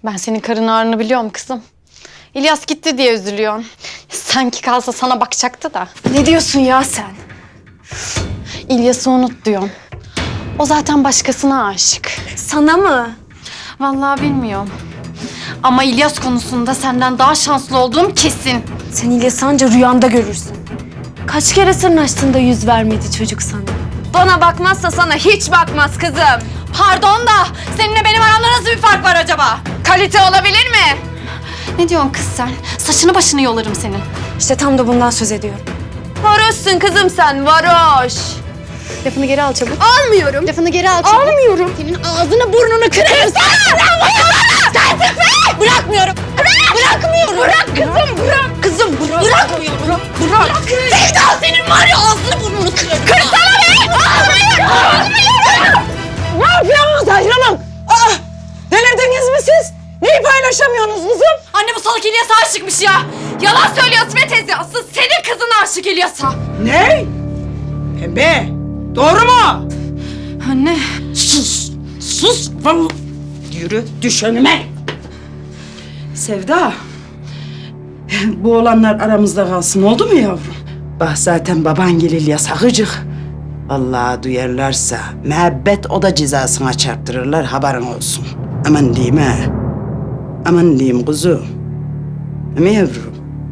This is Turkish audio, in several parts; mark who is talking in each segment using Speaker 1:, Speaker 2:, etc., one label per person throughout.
Speaker 1: Ben senin karın ağrını biliyorum kızım. İlyas gitti diye üzülüyorsun. Sanki kalsa sana bakacaktı da.
Speaker 2: Ne diyorsun ya sen?
Speaker 1: İlyas'ı unut diyorum. O zaten başkasına aşık.
Speaker 2: Sana mı?
Speaker 1: Vallahi bilmiyorum. Ama İlyas konusunda senden daha şanslı olduğum kesin.
Speaker 2: Sen İlyas'ı anca rüyanda görürsün. Kaç kere sırnaştın da yüz vermedi çocuk sana. Bana bakmazsa sana hiç bakmaz kızım.
Speaker 1: Pardon da seninle benim aramda nasıl bir fark var acaba?
Speaker 2: Kalite olabilir mi?
Speaker 1: Ne diyorsun kız sen? Saçını başını yolarım senin.
Speaker 2: İşte tam da bundan söz ediyorum. Varoşsun kızım sen, varoş.
Speaker 1: Lafını geri al çabuk.
Speaker 2: Almıyorum.
Speaker 1: Lafını geri al çabuk.
Speaker 2: Almıyorum.
Speaker 1: Senin ağzını burnunu kırarım.
Speaker 2: Bırakmıyorum. Bırakmıyorum. Bırak kızım, bırak. Kızım bırak. Bırakmıyorum. Bırak.
Speaker 1: Sevda senin var ya ağzını burnunu kırarım.
Speaker 2: Kırsana be! Almıyorum.
Speaker 3: Ne yapıyorsunuz ayrılın? Delirdiniz mi siz? Neyi paylaşamıyorsunuz kızım?
Speaker 1: Anne bu salak İlyas'a aşıkmış ya. Yalan söylüyorsun be teyze. Asıl senin kızın aşık İlyas'a.
Speaker 3: Ne? Pembe, doğru mu?
Speaker 1: Anne.
Speaker 3: Sus, sus. Vallahi. Yürü, düş önüme. Sevda, bu olanlar aramızda kalsın oldu mu yavrum? Bak zaten baban gelil yasakıcık. Vallahi duyarlarsa müebbet o da cezasına çarptırırlar haberin olsun. Aman diyeyim ha. Aman diyeyim kuzum. Değil mi yavrum?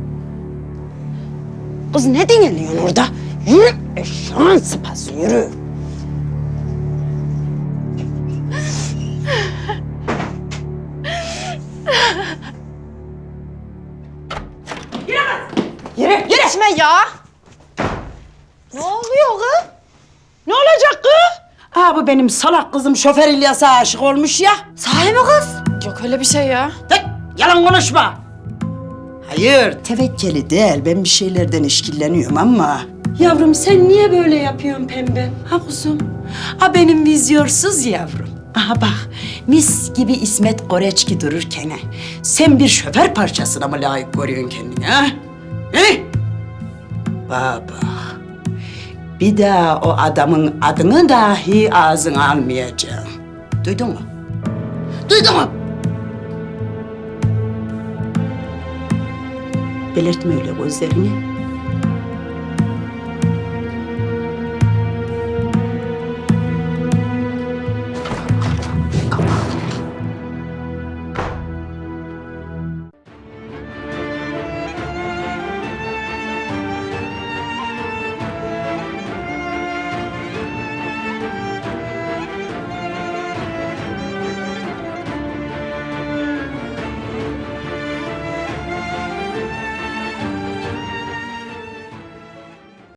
Speaker 3: Kız ne dinliyorsun orada? Yürü eşeğin sıpası yürü. Yürü, yürü.
Speaker 1: Geçme ya. Ne oluyor kız?
Speaker 3: Ne olacak kız? Ha bu benim salak kızım şoför İlyas'a aşık olmuş ya.
Speaker 1: Sahi mi kız? Yok öyle bir şey ya.
Speaker 3: Tık, yalan konuşma. Hayır, tevekkeli değil. Ben bir şeylerden işkilleniyorum ama... Yavrum sen niye böyle yapıyorsun Pembe? Ha kuzum? Ha benim vizyorsuz yavrum. Aha bak, mis gibi İsmet Koreçki dururken ha, sen bir şoför parçasına mı layık görüyorsun kendini ha? He? Baba, bir daha o adamın adını dahi ağzına almayacağım. Duydun mu? Duydun mu? Belirtme öyle gözlerini.